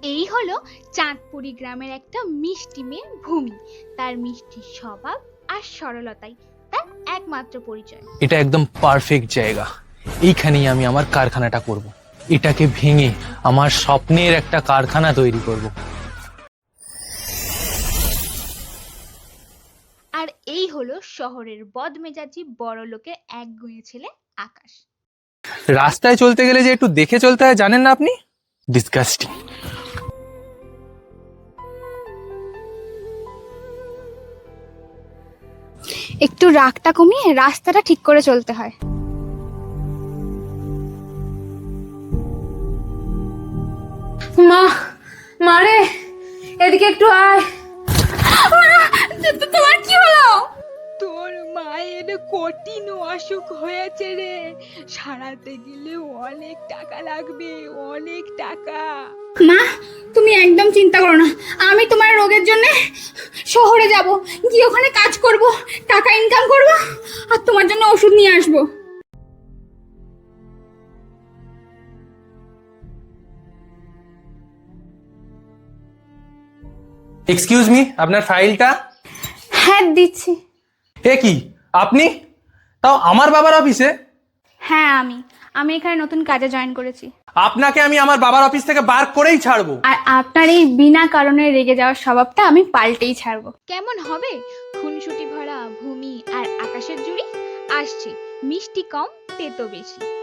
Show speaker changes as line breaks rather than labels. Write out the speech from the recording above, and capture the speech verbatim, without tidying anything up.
এই হলো চাঁদপুরি গ্রামের একটা মিষ্টি মেয়ে ভূমি। তার মিষ্টি স্বভাব আর সরলতাই তার একমাত্র পরিচয়।
এটা একদম পারফেক্ট জায়গা, এইখানেই আমি আমার কারখানাটা করব। এটাকে ভেঙে আমার স্বপ্নের একটা কারখানা তৈরি করব।
আর এই হলো শহরের বদমেজাজি বড় লোকের একগুঁয়ে ছেলে আকাশ।
রাস্তায় চলতে গেলে যে একটু দেখে চলতে হয় জানেন না আপনি? ডিসগাস্টিং।
একটু রাগটা কমিয়ে রাস্তাটা ঠিক করে চলতে হয়।
মা, মারে এদিকে একটু আয়।
তোমার কি হলো?
তোর মায়ের কঠিন অসুখ হয়েছে রে, সারাতে গেলে অনেক টাকা লাগবে, অনেক টাকা।
মা, তুমি একদম চিন্তা করো না, আমি তোমার রোগের জন্য শহরে যাব, গিয়ে ওখানে কাজ করব, টাকা ইনকাম করব আর তোমার জন্য ওষুধ নিয়ে আসবো।
এক্সকিউজ মি, আপনার ফাইলটা।
হ্যাঁ দিচ্ছি।
এ কি আপনি? তাও আমার বাবার অফিসে?
হ্যাঁ আমি আমি এখানে নতুন কাজে জয়েন করেছি।
আপনাকে আমি আমার বাবার অফিস থেকে বার করেই ছাড়বো।
আর আপনার এই বিনা কারণে রেগে যাওয়ার স্বভাবটা আমি পাল্টেই ছাড়বো।
কেমন হবে খুনসুটি ভরা ভূমি আর আকাশের জুড়ি? আসছে মিষ্টি কম তেতো বেশি।